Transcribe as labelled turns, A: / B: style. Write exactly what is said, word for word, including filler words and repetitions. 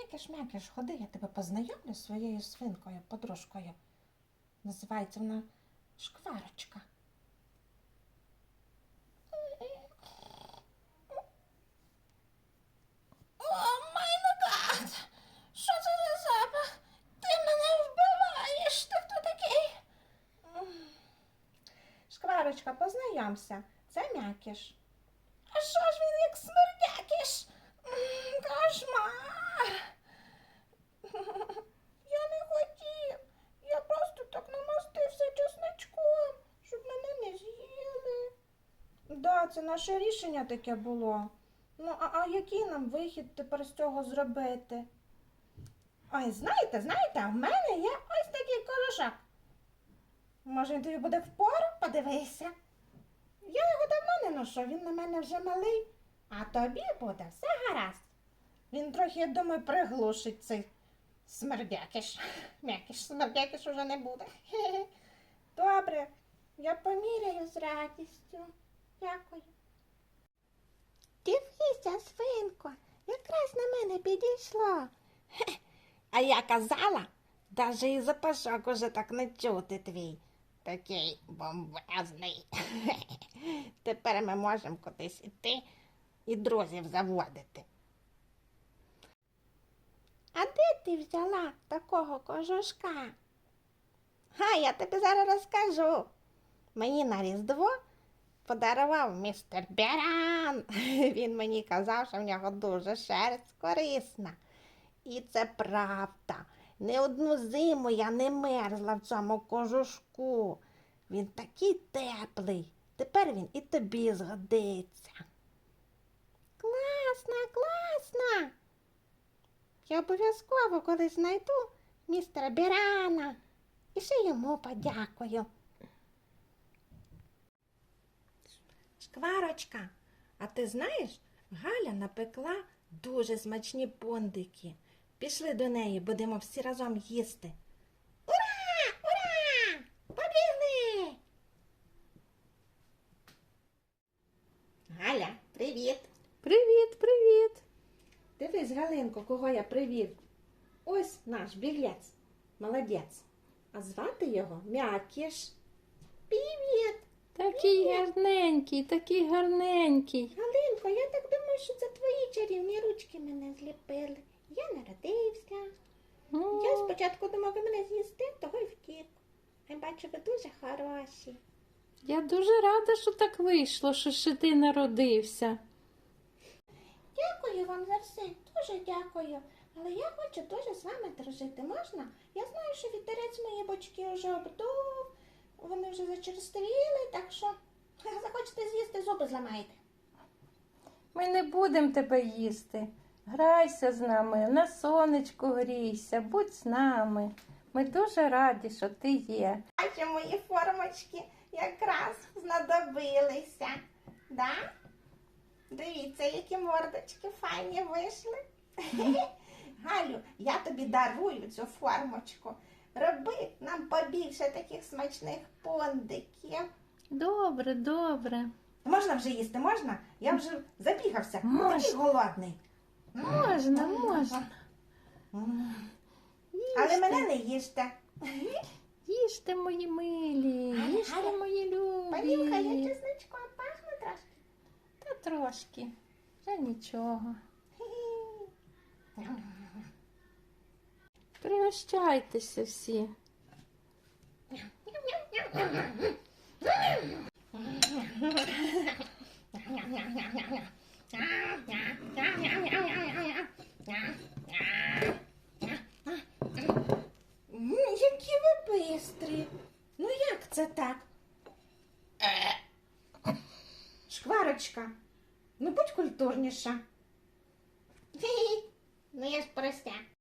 A: М'якиш-м'якиш, ходи, я тебе познайомлю з своєю свинкою, подружкою. Називається вона Шкварочка. О, май гад! Що це за запах? Ти мене вбиваєш! Ти хто такий? Шкварочка, познайомся. Це М'якиш. А що ж він як смердякиш? М, Кошмар! Я не хотів. Я просто так намастився чесничком, щоб мене не з'їли. Да, це наше рішення таке було. Ну, а, а який нам вихід тепер з цього зробити? Ой, знаєте, знаєте, в мене є ось такий кожушок. Може, він тобі буде впору? Подивися. Я його давно не ношу, він на мене вже малий, а тобі буде все гаразд. Він трохи, я думаю, приглушить цей смердякиш. М'якиш, смердякиш уже не буде. Хе-хе. Добре, я поміряю з радістю. Дякую. Дивися, свинко, якраз на мене підійшло. Хе, а я казала, навіть і запашок уже так не чути твій. Такий бомбезний. Тепер ми можемо кудись іти і друзів заводити. А де ти взяла такого кожушка? Га, я тобі зараз розкажу. Мені на Різдво подарував містер Беран. Він мені казав, що в нього дуже шерсть корисна. І це правда. Не одну зиму я не мерзла в цьому кожушку. Він такий теплий. Тепер він і тобі згодиться. Класно, класно. Я обов'язково колись знайду містера Берана і ще йому подякую. Шкварочка, а ти знаєш, Галя напекла дуже смачні пондики. Пішли до неї, будемо всі разом їсти. Ура! Ура! Побігли! Галя, привіт!
B: Привіт, привіт.
A: Дивись, Галинко, кого я привів. Ось наш біглець. Молодець. А звати його М'якиш. Привіт!
B: Такий гарненький, такий гарненький.
A: Галинко, я так думаю, що це твої чарівні ручки мене зліпили. Я народився.
B: О,
A: Я спочатку думав, ви мене з'їсти, того й втік. Я бачу, ви дуже хороші.
B: я дуже рада, що так вийшло, що ще ти народився.
A: Дякую вам за все, дуже дякую. Але я хочу дуже з вами дружити. Можна? Я знаю, що вітерець мої бочки вже обдув, вони вже зачерствіли, так що захочете з'їсти, зуби зламаєте.
B: Ми не будемо тебе їсти. Грайся з нами, на сонечку грійся, будь з нами. Ми дуже раді, що ти є.
A: Бачу, мої формочки якраз знадобилися. Да? Дивіться, які мордочки файні вийшли. Галю, я тобі дарую цю формочку. Роби нам побільше таких смачних пондиків.
B: Добре, добре.
A: Можна вже їсти, можна? Я вже забігався.
B: Можна.
A: Такий голодний.
B: Можна, можна.
A: Але
B: Їжте.
A: мене не їжте.
B: Їжте, мої милі,
A: Галя,
B: їжте,
A: Галя,
B: мої
A: Понюхай, я
B: любі.
A: чесничком пахну трошки.
B: Та трошки, вже нічого. Пригощайтеся всі.
A: М, Які ви бистрі. Ну як це так? Шкварочка, ну будь культурніша. Ну я ж простя.